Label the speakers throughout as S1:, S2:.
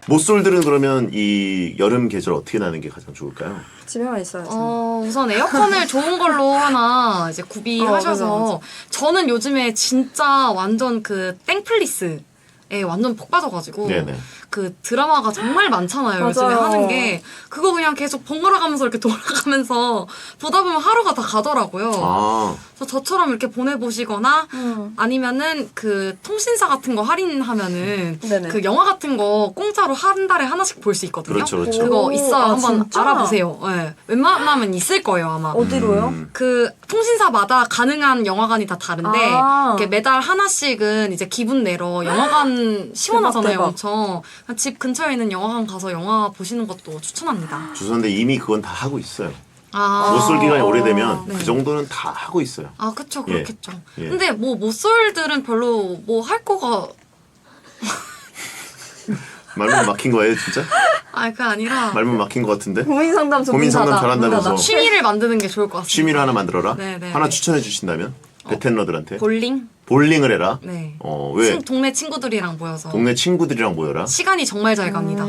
S1: 모쏠들은 그러면 이 여름 계절 어떻게 나는 게 가장 좋을까요?
S2: 집에만 있어야지.
S3: 우선 에어컨을 좋은 걸로 하나 이제 구비하셔서
S2: 맞아.
S3: 저는 요즘에 진짜 완전 그 땡플리스에 완전 폭 빠져가지고
S1: 네네.
S3: 그 드라마가 정말 많잖아요. 요즘에
S2: 맞아요.
S3: 하는 게 그거 그냥 계속 번갈아 가면서 이렇게 돌아가면서 보다 보면 하루가 다 가더라고요.
S1: 아,
S3: 그래서 저처럼 이렇게 보내보시거나 아니면은 그 통신사 같은 거 할인하면은
S2: 네네.
S3: 그 영화 같은 거 공짜로 한 달에 하나씩 볼 수 있거든요.
S1: 그렇죠, 그렇죠.
S3: 그거
S2: 오,
S3: 있어요.
S2: 아,
S3: 한번
S2: 진짜?
S3: 알아보세요. 네. 웬만하면 있을 거예요, 아마.
S2: 어디로요?
S3: 그 통신사마다 가능한 영화관이 다 다른데
S2: 아.
S3: 이렇게 매달 하나씩은 이제 기분 내러 영화관 시원하잖아요,
S2: 대박.
S3: 엄청. 집 근처에 있는 영화관 가서 영화 보시는 것도 추천합니다.
S1: 죄송한데 이미 그건 다 하고 있어요.
S3: 아,
S1: 모쏠 기간이 오래되면
S3: 네.
S1: 그 정도는 다 하고 있어요.
S3: 아, 그쵸, 그렇겠죠.
S1: 예.
S3: 근데 뭐 모쏠들은 별로 뭐 할 거가
S1: 말문 막힌 거예요, 진짜?
S3: 그게 아니라
S1: 말문 막힌 것 같은데?
S2: 고민 상담
S1: 고민 상담
S2: 전문가다.
S1: 잘한다면서.
S3: 취미를 만드는 게 좋을 것 같습니다.
S1: 취미를 하나 만들어라?
S3: 네네.
S1: 하나 추천해 주신다면? 베텐러들한테?
S3: 볼링?
S1: 볼링을 해라?
S3: 네.
S1: 왜?
S3: 동네 친구들이랑 모여서
S1: 동네 친구들이랑 모여라?
S3: 시간이 정말 잘 갑니다.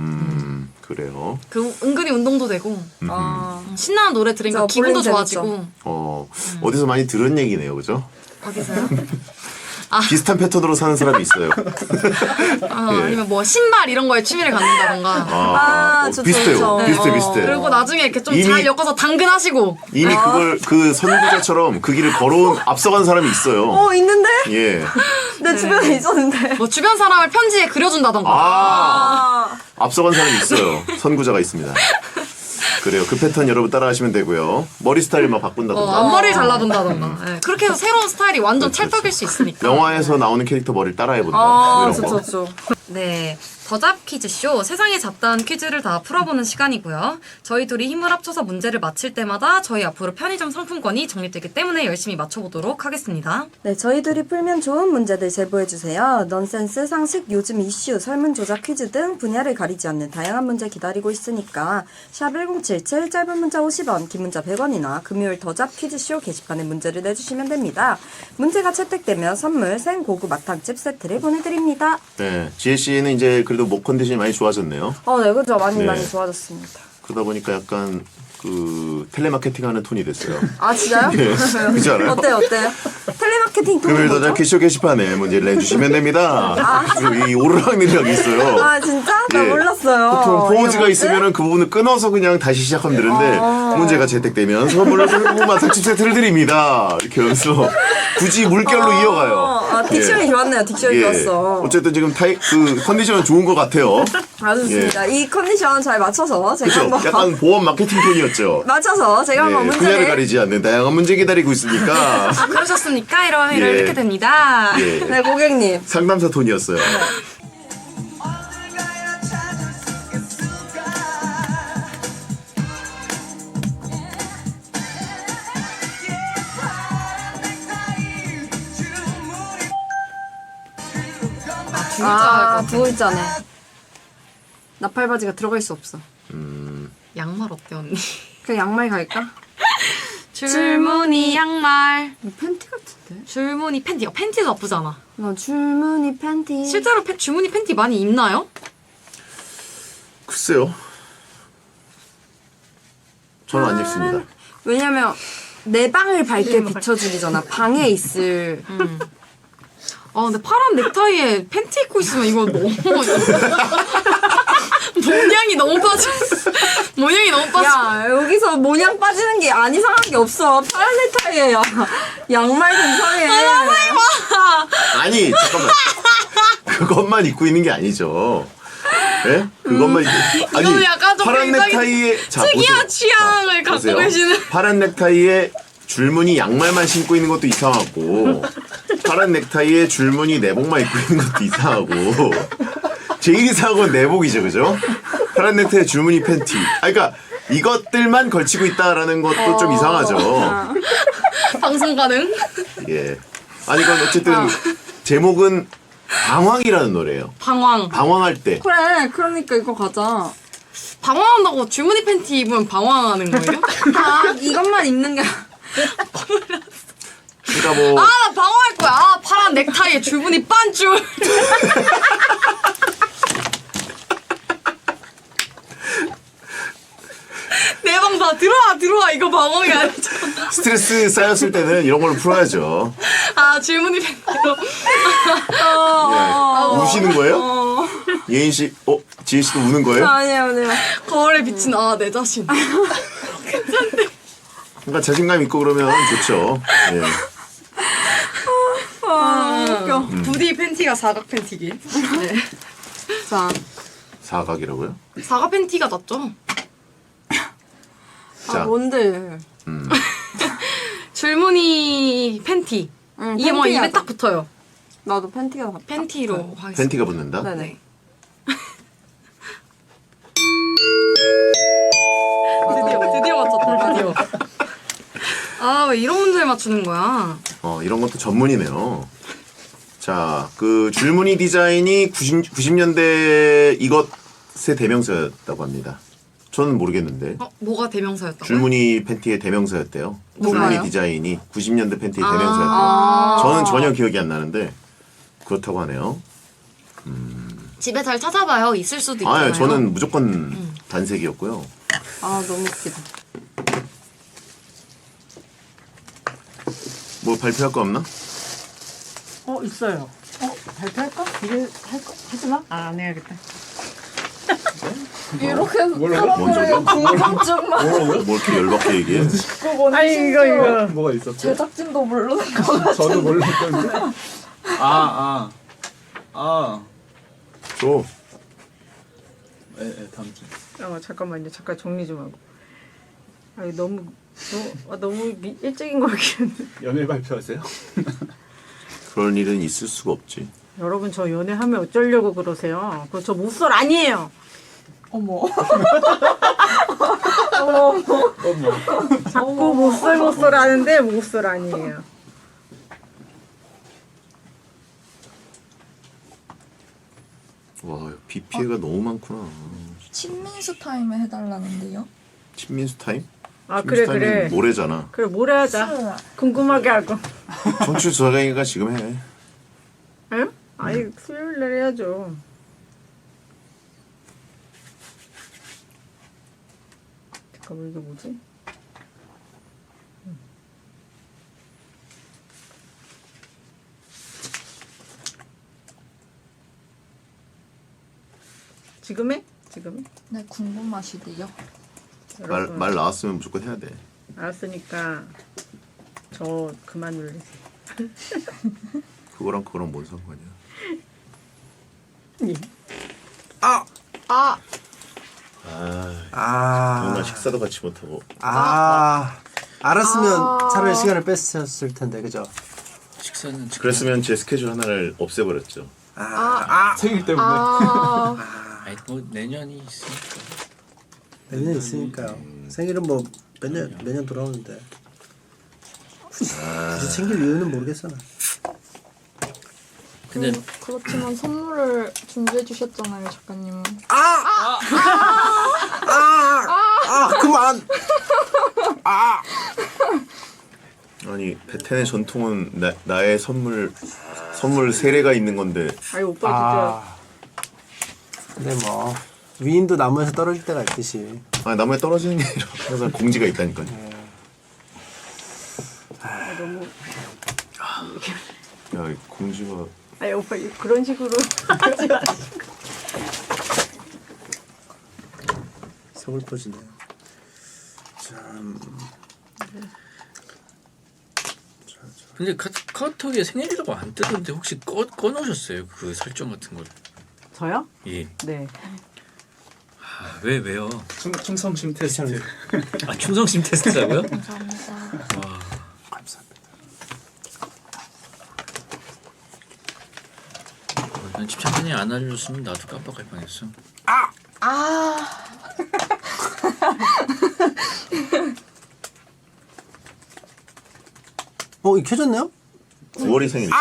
S1: 그래요.
S3: 그 은근히 운동도 되고
S2: 아.
S3: 신나는 노래 들으니까
S2: 진짜
S3: 기분도
S2: 볼링
S3: 좋아지고.
S1: 어디서 많이 들은 얘기네요, 그죠?
S3: 어디서요?
S1: 비슷한 패턴으로 사는 사람이 있어요. 예.
S3: 아니면 뭐 신발 이런 거에 취미를 갖는다던가.
S2: 좋죠,
S1: 비슷해요.
S2: 좋죠.
S1: 비슷해.
S3: 그리고 나중에 이렇게 좀
S1: 이미-
S3: 잘 엮어서 당근하시고.
S1: 이미 그걸 그 선구자처럼 그 길을 걸어온 앞서간 사람이 있어요.
S2: 있는데?
S1: 예.
S2: 내 주변에 있었는데.
S3: 뭐 주변 사람을 편지에 그려준다던가.
S2: 아.
S1: 앞서간 사람이 있어요. 선구자가 있습니다. 그래요. 그 패턴 여러분 따라하시면 되고요. 머리 스타일 막 바꾼다던가.
S3: 앞머리를 잘라둔다던가. 네, 그렇게 해서 새로운 스타일이 완전 찰떡일 수 있으니까.
S1: 영화에서 나오는 캐릭터 머리를 따라해본다.
S2: 아,
S1: 이런 거.
S2: 좋죠.
S3: 네, 더잡 퀴즈쇼 세상에 잡다한 퀴즈를 다 풀어보는 시간이고요. 저희 둘이 힘을 합쳐서 문제를 맞힐 때마다 저희 앞으로 편의점 상품권이 적립되기 때문에 열심히 맞춰보도록 하겠습니다.
S2: 네, 저희들이 풀면 좋은 문제들 제보해주세요. 넌센스, 상식, 요즘 이슈, 설문조사 퀴즈 등 분야를 가리지 않는 다양한 문제 기다리고 있으니까 샵 1077, 짧은 문자 50원, 긴 문자 100원이나 금요일 더잡 퀴즈쇼 게시판에 문제를 내주시면 됩니다. 문제가 채택되면 선물 생고구 마탕집 세트를 보내드립니다.
S1: 네. 지혜 씨는 이제 그래도 목 컨디션이 많이 좋아졌네요.
S2: 네, 그죠. 많이
S1: 네.
S2: 많이 좋아졌습니다.
S1: 그러다 보니까 약간 그 텔레마케팅 하는 톤이 됐어요.
S2: 아, 진짜요?
S1: 예. 그렇지 않아요?
S2: 어때요? 텔레마케팅 톤이
S1: 금요일
S2: 뭐죠?
S1: 더잡 퀴즈 게시판에 문제를 내주시면 됩니다. 그리고 이 오르락내리락이 있어요.
S2: 아, 진짜? 나
S1: 예.
S2: 몰랐어요.
S1: 보통
S2: 이게
S1: 포즈가
S2: 뭐지?
S1: 있으면은 그 부분을 끊어서 그냥 다시 시작하면 되는데 문제가 채택되면 선물로 고구 마탕집 세트를 드립니다. 이렇게 하면서 굳이 물결로 이어가요.
S2: 딕션이
S1: 예.
S2: 좋았네요. 딕션이 좋았어.
S1: 어쨌든 지금 그 컨디션은 좋은 것 같아요.
S2: 아, 좋습니다. 이 컨디션 잘 맞춰서 제가
S1: 그렇죠.
S2: 한번
S1: 약간 보험 마케팅 톤이었죠.
S2: 맞춰서 제가 한번
S1: 분야를
S2: 문제를
S1: 가리지 않는 다양한 문제 기다리고 있으니까
S3: 그러셨습니까? 이러면
S1: 예.
S3: 이렇게 됩니다.
S1: 예.
S2: 네, 고객님.
S1: 상담사 톤이었어요.
S2: 두 글자네. 나팔바지가 들어갈 수 없어.
S3: 양말 어때 언니?
S2: 그냥 양말 갈까?
S3: 줄무늬 양말.
S2: 이거 팬티 같은데?
S3: 줄무늬 팬티. 팬티도 나쁘잖아.
S2: 줄무늬 팬티.
S3: 실제로 줄무늬 팬티 많이 입나요?
S1: 글쎄요. 저는 안 입습니다.
S2: 왜냐면 내 방을 밝게 비춰주기잖아. 방에 있을.
S3: 근데 파란 넥타이에 팬티 입고 있으면 이거 너무 모양이 너무 빠져. 모양이 너무 빠져.
S2: 야, 여기서 모양 빠지는 게 안 이상한 게 없어. 파란 넥타이에 양말 근처에.
S1: 아니 잠깐만. 그것만 입고 있는 게 아니죠. 예? 그것만 입고
S3: 이거는 약간 좀
S1: 파란
S3: 굉장히
S1: 넥타이에
S3: 특이한 취향을 갖고
S1: 보세요.
S3: 계시는.
S1: 파란 넥타이에 줄무늬 양말만 신고 있는 것도 이상하고 파란 넥타이에 줄무늬 내복만 입고 있는 것도 이상하고 제일 이상한 건 내복이죠, 그죠? 파란 넥타이에 줄무늬 팬티. 그러니까 이것들만 걸치고 있다라는 것도 좀 이상하죠.
S3: 방송 가능?
S1: 예. 아니 이건 어쨌든 제목은 방황이라는 노래예요.
S3: 방황.
S1: 방황할 때.
S2: 그래, 그러니까 이거 가자.
S3: 방황한다고 줄무늬 팬티 입으면 방황하는 거예요?
S2: 이것만 입는 게.
S1: 그러니까 뭐
S3: 나 방황할 거야. 파란 넥타이에 줄무늬 반줄. 들어와 이거 방어이 아니잖아.
S1: 스트레스 쌓였을 때는 이런 걸로 풀어야죠.
S3: 아 질문이 팬티로.
S1: 예. 우시는 거예요? 예인 씨, 지혜 씨도 우는 거예요?
S2: 아니요.
S3: 거울에 비친 내 자신.
S1: 그러니까 자신감 있고 그러면 좋죠. 예.
S2: 웃겨.
S3: 부디 팬티가 사각 팬티기. 네.
S2: 자,
S1: 사각이라고요?
S3: 사각 팬티가 낫죠.
S1: 자,
S2: 뭔데?
S3: 줄무늬 팬티.
S2: 응,
S3: 이게 뭐
S2: 팬티야.
S3: 입에 딱 붙어요.
S2: 나도 팬티가 다
S3: 팬티로 하겠습니다.
S1: 팬티가 붙는다?
S2: 네네.
S3: 드디어 맞췄다. 드디어. 왜 이런 문제를 맞추는 거야?
S1: 이런 것도 전문이네요. 자, 그 줄무늬 디자인이 90년대 이것의 대명사였다고 합니다. 저는 모르겠는데.
S3: 뭐가 대명사였다고요?
S1: 줄무늬 팬티의 대명사였대요.
S2: 뭐가요?
S1: 줄무늬 디자인이 90년대 팬티의 대명사였대요. 저는 전혀 기억이 안 나는데 그렇다고 하네요.
S3: 집에 잘 찾아봐요. 있을 수도 있잖아요.
S1: 저는 무조건 단색이었고요.
S2: 너무 웃기다.
S1: 뭐 발표할 거 없나?
S4: 있어요. 발표할까? 이게 할까? 하지 마. 안 해야겠다.
S2: 이렇게
S1: 뭔
S2: 궁금증만.
S1: 뭐 이렇게 열받게 얘기해?
S4: 아니 이거.
S5: 뭐가 있었죠?
S2: 제작진도 모르는 거 같아.
S5: 저도 몰랐던데.
S1: 줘.
S5: 다음 주.
S4: 잠깐만요. 잠깐 정리 좀 하고. 너무 일찍인 거 같긴.
S5: 연애 발표하세요?
S1: 그런 일은 있을 수가 없지.
S4: 여러분 저 연애하면 어쩌려고 그러세요? 그거 저 못쏠 아니에요.
S2: 어머.
S4: 자꾸 못쏠 하는데 못쏠 아니에요.
S1: 와, 비 피해가 너무 많구나.
S6: 친민수 타임을 해달라는데요.
S1: 친민수 타임?
S4: 그래
S1: 친민수 타임이
S4: 그래.
S1: 모레잖아.
S4: 그래 뭐래 하자. 궁금하게 하고.
S1: 청취 조사가니까 지금 해.
S4: 응? 아니 수요일 날 해야죠. 잠깐만 이게 뭐지? 지금 해? 지금 해?
S6: 네, 궁금하시대요.
S1: 말 나왔으면 무조건 해야 돼.
S4: 알았으니까 저 그만 놀리세요.
S1: 그거랑 뭔 상관이야?
S4: 예.
S1: 정말 식사도 같이 못하고.
S7: 알았으면 차라리 시간을 뺐었을 텐데, 그죠?
S5: 식사는
S1: 그랬으면 제 스케줄 하나를 없애버렸죠.
S5: 생일 때문에.
S8: 아니 뭐 내년이 있으니까.
S7: 내년 있으니까요. 생일은 뭐 매년 돌아오는데. 굳이 챙길 이유는 모르겠어. 나.
S8: 근데
S6: 그렇지만 선물을 준비해 주셨잖아요, 작가님은.
S7: 그만!
S1: 아니 베텐의 전통은 나의 선물 세례가 있는 건데.
S4: 아니 오빠
S7: 근데 뭐, 위인도 나무에서 떨어질 때가 있듯이.
S1: 나무에 떨어지는 게 아니라 항상 공지가 있다니까요.
S4: 진짜 너무.
S1: 야, 이 공지가
S4: 아니 오빠 그런 식으로 하지 마.
S7: 서글퍼지네. 참.
S8: 근데 카카오톡에 생일이라고 안 뜨던데 혹시 꺼놓으셨어요? 그 설정 같은 걸?
S4: 저요?
S8: 예.
S4: 네.
S8: 왜요?
S5: 충성심 테스트.
S8: 충성심 테스트라고요?
S6: 감사합니다.
S7: 감사합니다.
S8: 난 집착맨이 안 알려줬으면 나도 깜빡할 뻔했어.
S7: 켜졌네요?
S1: 9월이 생일이신데.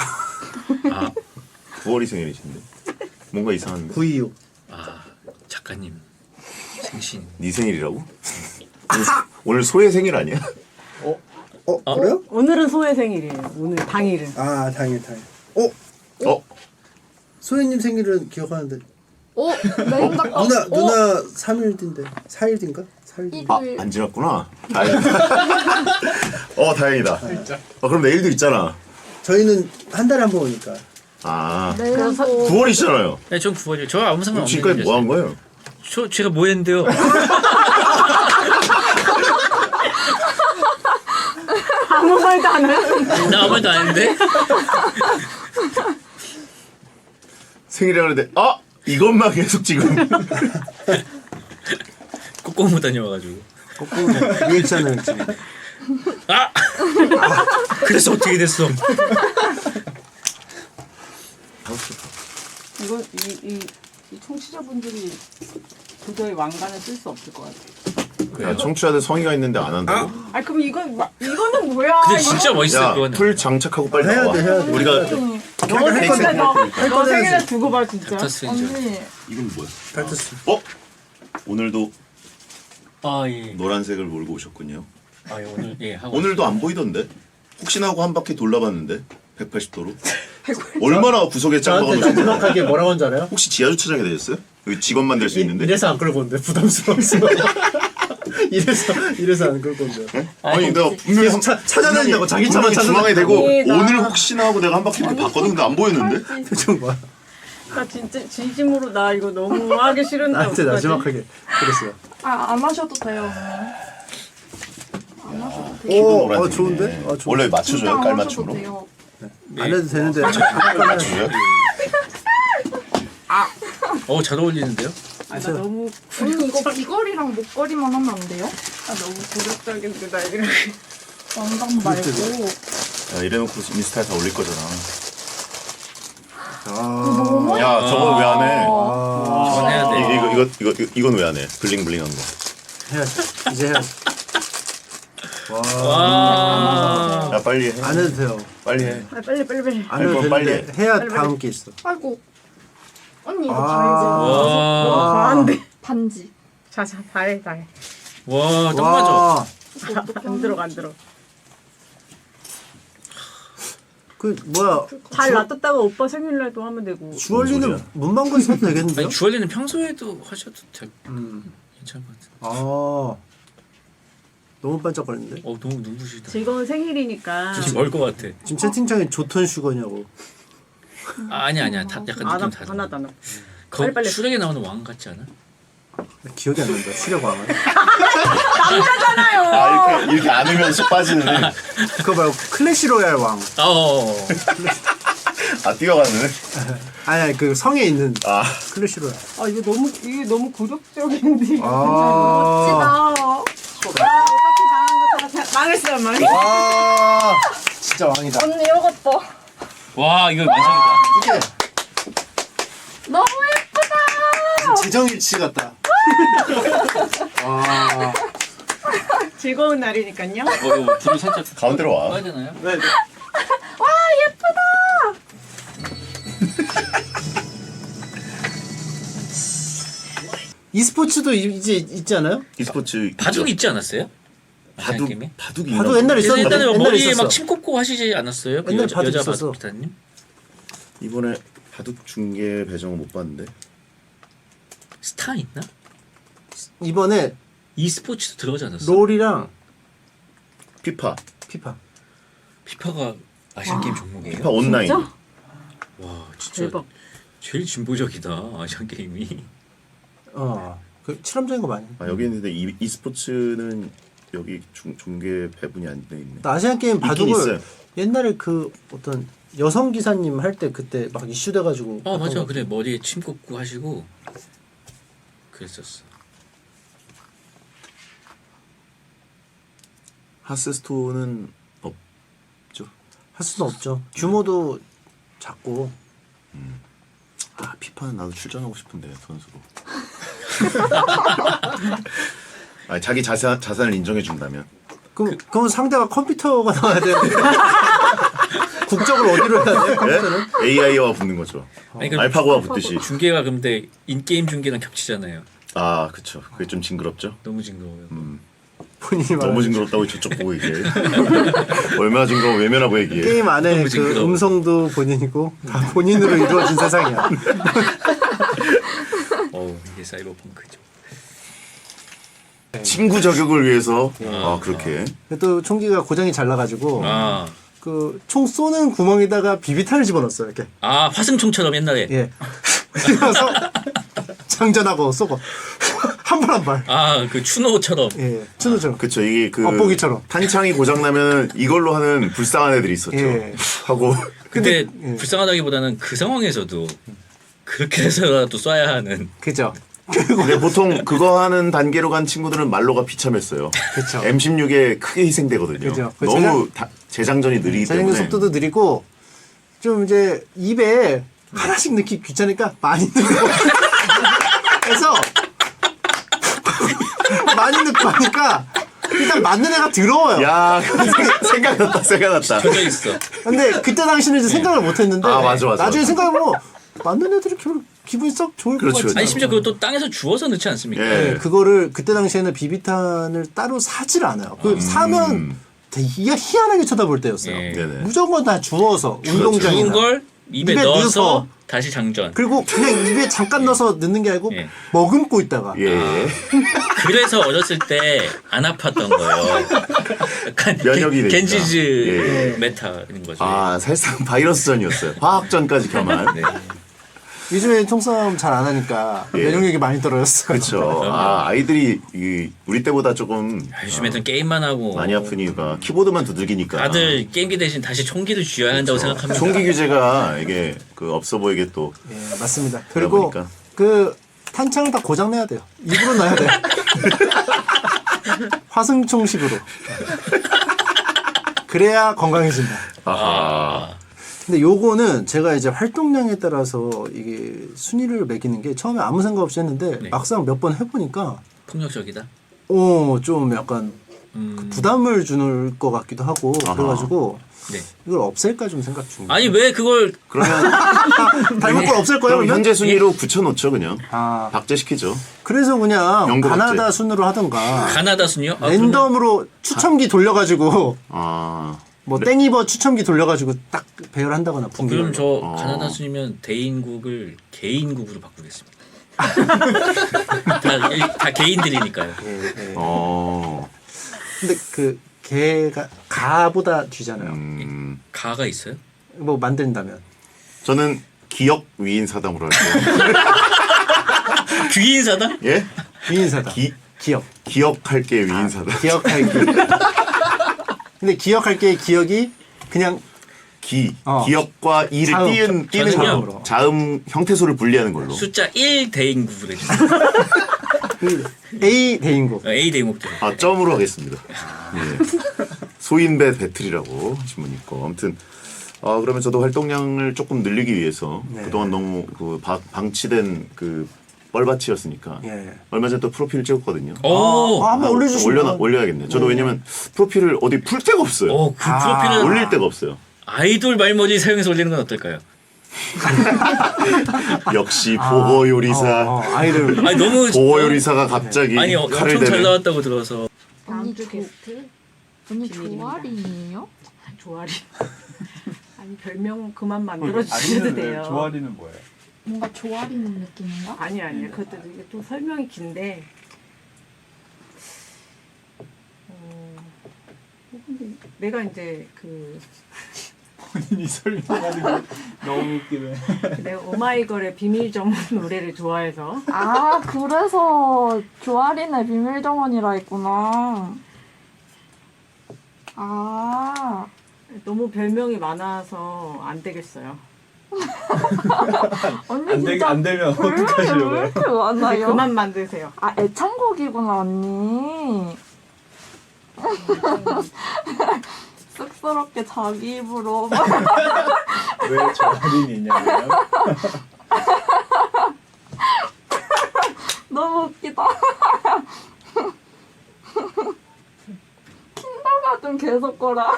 S1: 9월이 생일이신데. 뭔가 이상한데.
S7: 926.
S8: 작가님 생신.
S1: 네 생일이라고? 오늘 소의 생일 아니야?
S7: 그래요?
S4: 오늘은 소의 생일이에요. 오늘 당일은.
S7: 당일. 소혜님 생일은 기억하는데.
S6: 메인 작가.
S7: 누나 3일 뒤인데. 4일 뒤인가? 살기.
S1: 아, 안 지났구나. 다행이다. 다행이다. 그럼 내일도 있잖아.
S7: 저희는 한 달에 한 번 오니까.
S1: 아,
S6: 내일도
S1: 9월이잖아요.
S8: 네, 전 9월이요. 저 아무 상관 없는
S1: 지금까지 뭐 한 거예요?
S8: 제가 뭐 했는데요?
S4: 아무 말도 안 해.
S8: 나 아무 말도 안 했는데?
S1: 생일이라 그러는데 이것만 계속 지금.
S8: 꼬꼬무 다녀와가지고.
S7: 거꾸로 리액션을 지금.
S8: 그래서 어떻게 됐어?
S4: 이거 이 청취자분들이 도저히 왕관을 쓸 수 없을 것 같아.
S1: 야, 청취자들 성의가 있는데 안 한다고?
S4: 아 그럼 이거는 뭐야?
S8: 근데 진짜 멋있어요,
S1: 야,
S8: 그거는.
S1: 풀 장착하고 빨리
S7: 해야
S1: 나와.
S7: 돼, 해야 돼.
S1: 우리가
S4: 너 생일날 너 생일날
S7: 해야지.
S4: 두고 봐 진짜.
S8: 닥터스트레인저.
S6: 언니
S1: 이건 뭐야?
S7: 발트스.
S1: 오늘도
S8: 아, 예.
S1: 노란색을 몰고 오셨군요.
S8: 아, 예, 오늘, 예, 하고.
S1: 오늘도 안 보이던데? 혹시나 하고 한 바퀴 돌아봤는데 180도로. 얼마나 구석에 짱
S7: 저한테
S1: 박아놓으셨나?
S7: 마지막하게 뭐라고 한 줄 알아요?
S1: 혹시 지하 주차장에 되셨어요? 여기 직원만 될 수 있는데?
S7: 이래서 안 끌고 온대. 부담스러워서. 이래서 안 끌고 온대.
S1: 아니 내가 분명히
S7: 계속 찾아다닌다고, 자기 차만
S1: 분명히 중앙에 대고
S4: 아니, 나-
S1: 오늘 혹시나 하고 내가 한 바퀴 이렇게 봤거든. 근데 안 보였는데?
S7: 표정 봐.
S4: 나 진짜 진심으로 나 이거 너무 하기 싫은데
S7: 나한테
S4: 어떡하지?
S7: 마지막하게 그랬어요.
S6: 안 마셔도 돼요. 안 마셔도 돼요.
S1: 키도
S7: 오,
S1: 노란색이네.
S7: 좋은데? 좋은데?
S1: 원래
S6: 진짜
S1: 맞춰줘요?
S6: 안 마셔도
S1: 깔맞춤으로?
S6: 돼요.
S7: 안 해도 되는데.
S1: 맞춰줘요?
S8: 잘 어울리는데요?
S4: 아, 나 너무
S6: 언니 이거 귀걸이랑 목걸이만 하면 안 돼요?
S4: 너무 고력적인데 나 이렇게
S6: 왕관 말고.
S1: 야, 이래놓고 인스타에 다 올릴 거잖아.
S7: 아,
S1: 야 저거 왜 안 해?
S8: 저건 해야 돼.
S1: 이건 왜 안 해? 블링블링한 거.
S7: 해야지. 이제 해야지.
S8: 와.
S1: 야 빨리 해.
S7: 안 해도 돼요.
S1: 빨리 해.
S4: 아, 빨리
S7: 안 해도
S1: 건 빨리
S7: 되는데 해야 다음 게 있어.
S6: 아이고. 언니 이거
S8: 와.
S4: 과한데
S6: 반지.
S4: 자자 다해 다해
S8: 와, 딱 맞아.
S4: 안 들어 안 들어
S7: 그 뭐야?
S4: 잘 놔뒀다가 오빠 생일날도 하면 되고
S7: 주얼리는
S1: 소리야?
S7: 문방구 사도 되겠는데요?
S8: 아니, 주얼리는 평소에도 하셔도 되고. 괜찮을 것 같아.
S7: 아, 너무 반짝거리는데?
S8: 너무 눈부시다.
S4: 즐거운 생일이니까
S8: 지금 멀것 같아.
S7: 지금 채팅창에 조턴 슈거냐고.
S8: 아니야. 약간 느낌 다르.
S4: 하나도 안 와.
S8: 거
S4: 빨리.
S8: 수령에 나오는 왕 같지 않아?
S7: 기억이 안 난다. 수려광은.
S1: 아 이렇게 안으면서 빠지는 애.
S7: 그거 말고 클래시 로얄 왕.
S1: 아 뛰어가는 애?
S7: 아니 그 성에 있는
S1: 아
S7: 클래시 로얄.
S4: 아 이게 너무 고력적인데
S7: 아,
S6: 멋지다.
S4: 망했어
S7: 와, 진짜 왕이다.
S6: 언니 이것도
S8: 와, 이거 완성이다.
S7: 이게
S6: 너무 예쁘다.
S7: 지정일치 같다. 와,
S4: 즐거운 날이니까요
S8: 이거 불을 살짝
S1: 가운데로 와.
S8: 꺼야 되나요?
S7: 네. e스포츠도 이제 있지 않아요?
S1: e스포츠
S8: 바둑 있지 않았어요?
S1: 바둑
S8: 게임에?
S1: 바둑이
S7: 바둑 옛날에 있었는데.
S8: 옛날에
S7: 옛날에
S8: 머리에
S7: 있었어.
S8: 막 침 꽂고 하시지 않았어요? 그
S7: 옛날에
S8: 여자,
S7: 바둑
S8: 여자
S7: 있었어.
S8: 바둑 기사님?
S1: 이번에 바둑 중계 배정을 못 봤는데.
S8: 스타 있나?
S7: 이번에
S8: e스포츠도 들어가지 않았어?
S7: 롤이랑
S1: 피파
S7: 피파.
S8: 피파가 아시안 게임 종목이에요?
S1: 피파 온라인.
S4: 진짜?
S8: 와, 진짜
S4: 대박
S8: 제일 진보적이다 아시안 게임이.
S7: 그 실험적인 거 많이.
S1: 아 여기 있는데 e스포츠는 여기 중계 배분이 안 돼 있네.
S7: 나 아시안 게임
S1: 있긴
S7: 바둑을
S1: 있어요.
S7: 옛날에 그 어떤 여성 기사님 할 때 그때 막 이슈돼 가지고.
S8: 맞아. 그래 머리에 침 꽂고 하시고 그랬었어.
S1: 하스스톤은 없죠.
S7: 할 수는 없죠. 규모도 작고.
S1: 아 피파는 나도 출전하고 싶은데 선수로. 아 자기 자산을 인정해 준다면.
S7: 그럼 상대가 컴퓨터가 나와야 되는데. 국적을 어디로 해야 돼? 컴퓨터는?
S1: AI와 붙는 거죠.
S8: 아니, 그럼
S1: 알파고와 붙듯이.
S8: 중계가 근데 인게임 중계랑 겹치잖아요.
S1: 아 그쵸. 그게 좀 징그럽죠.
S8: 너무 징그러워요.
S7: 본인이
S1: 너무
S7: 말하는
S1: 징그럽다고 저쪽 보고 얘기해. 얼마나 징그러워 외면하고 얘기해.
S7: 게임 안에
S8: 너무
S7: 그
S8: 징그러워.
S7: 음성도 본인이고 다 본인으로 이루어진 세상이야.
S8: 이게 사이버펑크죠.
S1: 친구 저격을 위해서 그렇게.
S7: 또 총기가 고장이 잘 나가지고
S8: 아,
S7: 그 총 쏘는 구멍에다가 비비탄을 집어넣었어요. 이렇게.
S8: 아 화승총처럼 옛날에.
S7: 예. 그래서 장전하고 쏘고 한 발 한 발.
S8: 아, 그 추노처럼.
S7: 예. 추노처럼.
S1: 그쵸 이게 그
S7: 엿보기처럼.
S1: 탄창이 고장 나면 이걸로 하는 불쌍한 애들이 있었죠.
S7: 예.
S1: 하고
S8: 근데
S7: 예.
S8: 불쌍하다기보다는 그 상황에서도 그렇게 해서라도 쏴야 하는.
S7: 그죠.
S1: 근데 보통 그거 하는 단계로 간 친구들은 말로가 비참했어요.
S7: 그쵸.
S1: M16에 크게 희생되거든요.
S7: 그죠. 그
S1: 너무 재장전이 느리기
S7: 자전거
S1: 때문에.
S7: 속도도 느리고 좀 이제 입에 하나씩 넣기 귀찮으니까 많이 넣고 그래서 많이 넣고 하니까 일단 맞는 애가 더러워요.
S1: 야 생각났다 생각났다.
S8: 켜져 있어.
S7: 근데 그때 당시는 이제 생각을 못 했는데
S1: 아, 맞아.
S7: 나중에 생각해보면 맞는 애들이 기분이 썩 좋을 것
S1: 그렇죠,
S7: 같지.
S8: 아니 심지어 그것도 땅에서 주워서 넣지 않습니까?
S1: 예.
S7: 네, 그거를 그때 당시에는 비비탄을 따로 사질 않아요. 그 사면 되게 희한하게 쳐다볼 때였어요.
S8: 예.
S1: 네네.
S7: 무조건 다 주워서
S8: 주운
S7: 운동장이나
S8: 걸 입에
S7: 입에
S8: 넣어서
S7: 넣어서
S8: 다시 장전.
S7: 그리고 그냥 입에 잠깐 넣어서 넣는 게 아니고
S8: 예.
S7: 머금고 있다가
S1: 예.
S8: 그래서 어렸을 때 안 아팠던 거예요. 약간
S1: 면역이 되니까.
S8: 겐지즈
S1: 예.
S8: 메타인 거죠.
S1: 아 사실상 바이러스전이었어요. 화학전까지 겸한.
S8: 네.
S7: 요즘에 총싸움 잘 안 하니까
S1: 예.
S7: 면역력이 많이 떨어졌어.
S1: 그렇죠. 아이들이 우리 때보다 조금
S8: 요즘 애들은 게임만 하고
S1: 많이 아픈 이유가 키보드만 두들기니까.
S8: 다들 게임기 대신 다시 총기를 쥐어야 한다고 생각합니다.
S1: 총기 규제가 이게 그 없어 보이게 또
S7: 예, 맞습니다.
S1: 그러다
S7: 그리고
S1: 보니까.
S7: 그 탄창을 다 고장 내야 돼요. 입으로 넣어야 돼요. 화승총식으로. 그래야 건강해진다.
S1: 아하.
S7: 근데 요거는 제가 이제 활동량에 따라서 이게 순위를 매기는 게 처음에 아무 생각 없이 했는데
S8: 네.
S7: 막상 몇 번 해보니까
S8: 폭력적이다.
S7: 좀 약간 부담을 주는 것 같기도 하고
S1: 아하.
S7: 그래가지고
S8: 네.
S7: 이걸 없앨까 좀 생각 중이에요.
S8: 아니 왜 그걸
S1: 그러면
S7: 닮은 걸 없앨 거예요?
S1: 그럼
S7: 그러면?
S1: 현재 순위로 붙여놓죠 그냥.
S7: 아
S1: 박제시키죠.
S7: 그래서 그냥
S1: 연구
S7: 가나다
S1: 박제.
S7: 순으로 하던가
S8: 가나다 순이요? 아,
S7: 랜덤으로 추첨기 돌려가지고
S1: 아
S7: 뭐 땡이버 추첨기 돌려가지고 딱 배열한다거나
S8: 그럼
S7: 분기를.
S8: 저 가나다 순이면 대인국을 개인국으로 바꾸겠습니다. 다 개인들이니까요.
S7: 근데 그 개가 가보다 뒤잖아요.
S8: 가가 있어요?
S7: 뭐 만든다면.
S1: 저는 기억 위인 사담으로 할게요.
S8: 귀인사다?
S1: 예?
S7: 위인사다.
S1: 기억. 기억할게 위인 사담.
S7: 기억할게. 근데 기억할게 기억이 그냥
S1: 기억과 이를
S7: 자음.
S1: 띄는
S8: 저는요.
S1: 걸로. 자음 형태소를 분리하는 걸로.
S8: 숫자 1 대인국으로 해주세요.
S7: A 대인국.
S8: A 대인국도.
S1: 점으로 하겠습니다. 예. 소인배 배틀이라고 신문 있고 아무튼 그러면 저도 활동량을 조금 늘리기 위해서
S7: 네.
S1: 그동안 너무 방치된 그 뻘밭이었으니까
S7: 예.
S1: 얼마 전에 또 프로필을 찍었거든요.
S8: 오,
S7: 한번 올려주시면.
S1: 올려야겠네. 저도 왜냐면 프로필을 어디 풀 데가 없어요.
S8: 그 프로필은
S1: 올릴 데가 없어요.
S8: 아이돌 말머리 사용해서 올리는 건 어떨까요?
S1: 역시 보호 요리사.
S7: 아이를
S8: 아니 너무
S1: 보호 요리사가 갑자기
S8: 아니
S1: 칼을
S8: 엄청 잘
S1: 대네.
S8: 나왔다고 들어서
S6: 언니
S4: 주 게스트
S6: 언니
S4: 비밀입니다.
S6: 조아린이에요?
S4: 조아리. 아니 별명 그만 만들어 주셔도 돼요.
S5: 조아리는 뭐예요?
S6: 뭔가 조아리는 느낌인가?
S4: 아니야. 그것도 이게 또 설명이 긴데. 근데 내가 이제
S5: 본인이 설명하는 게 너무 웃기네.
S4: 내가 오마이걸의 비밀 정원 노래를 좋아해서
S6: 아 그래서 조아린의 비밀 정원이라 했구나. 아
S4: 너무 별명이 많아서 안 되겠어요.
S6: 언니 진짜
S5: 안 되면
S6: 별명이
S5: 어떡하시려고요?
S6: 왜 이렇게 많아요?
S4: 그만 만드세요.
S6: 아 애창곡이구나 언니. 쑥스럽게 자기 입으로
S5: 왜 조아린이 있냐고요?
S6: 너무 웃기다. 킨더가든 계속 거라.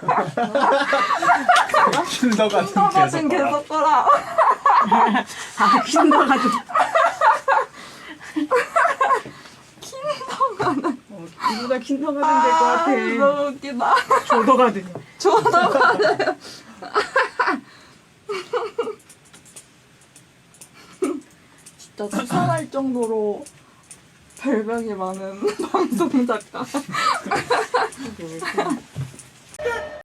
S5: 킬더 같은
S6: 킨더가든
S5: 계속
S6: 계속 거라.
S4: 아 킨더가든 누가 킨더가든 될 것 같아.
S6: 너무 웃기다.
S4: 조더가든이.
S6: 조더가든. 진짜 수상할 정도로 별명이 많은 방송 작가.